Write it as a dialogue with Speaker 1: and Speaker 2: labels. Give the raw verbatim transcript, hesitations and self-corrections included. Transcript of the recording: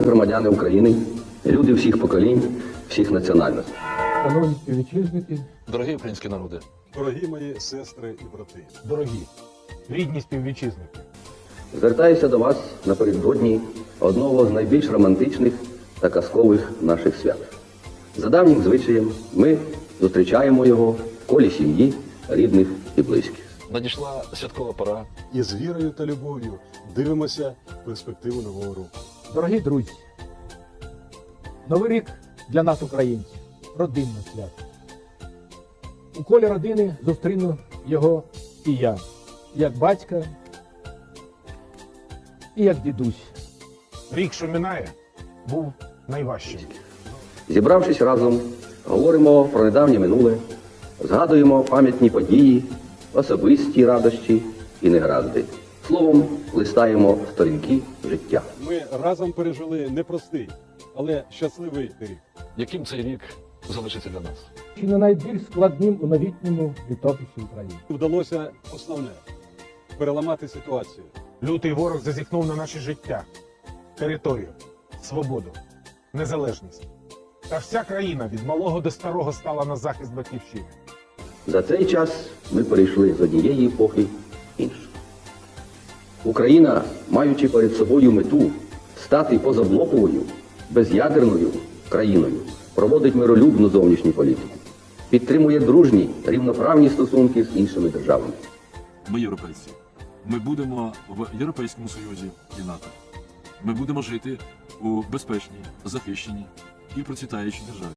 Speaker 1: громадяни України, люди всіх поколінь, всіх національностей.
Speaker 2: Шановні співвітчизники,
Speaker 3: Дорогі українські народи,
Speaker 4: Дорогі мої сестри і брати,
Speaker 2: дорогі, рідні співвітчизники,
Speaker 1: Звертаюся до вас напередодні одного з найбільш романтичних та казкових наших свят. За давнім звичаєм ми зустрічаємо його в колі сім'ї, рідних і близьких.
Speaker 3: надійшла святкова пора.
Speaker 4: і з вірою та любов'ю дивимося в перспективу нового року.
Speaker 2: дорогі друзі, Новий рік для нас, українців, родинне свято. У колі родини зустріну його і я, як батька, і як дідусь.
Speaker 5: Рік, що минає, був найважчим.
Speaker 1: Зібравшись разом, говоримо про недавнє минуле, згадуємо пам'ятні події, особисті радощі і негаразди. Словом, листаємо сторінки життя.
Speaker 4: Ми разом пережили непростий, але щасливий рік.
Speaker 3: Яким цей рік залишиться для нас?
Speaker 2: Чи не найбільш складним у новітньому літописі України.
Speaker 4: Вдалося основне – переламати ситуацію.
Speaker 5: Лютий ворог зазіхнув на наше життя, територію, свободу, незалежність. Та вся країна від малого до старого стала на захист батьківщини.
Speaker 1: За цей час ми перейшли з однієї епохи в іншу. Україна, маючи перед собою мету стати позаблоковою, без'ядерною країною, проводить миролюбну зовнішню політику, підтримує дружні, рівноправні стосунки з іншими державами.
Speaker 6: Ми європейці. Ми будемо в Європейському Союзі і НАТО. Ми будемо жити у безпечній, захищеній і процвітаючій державі.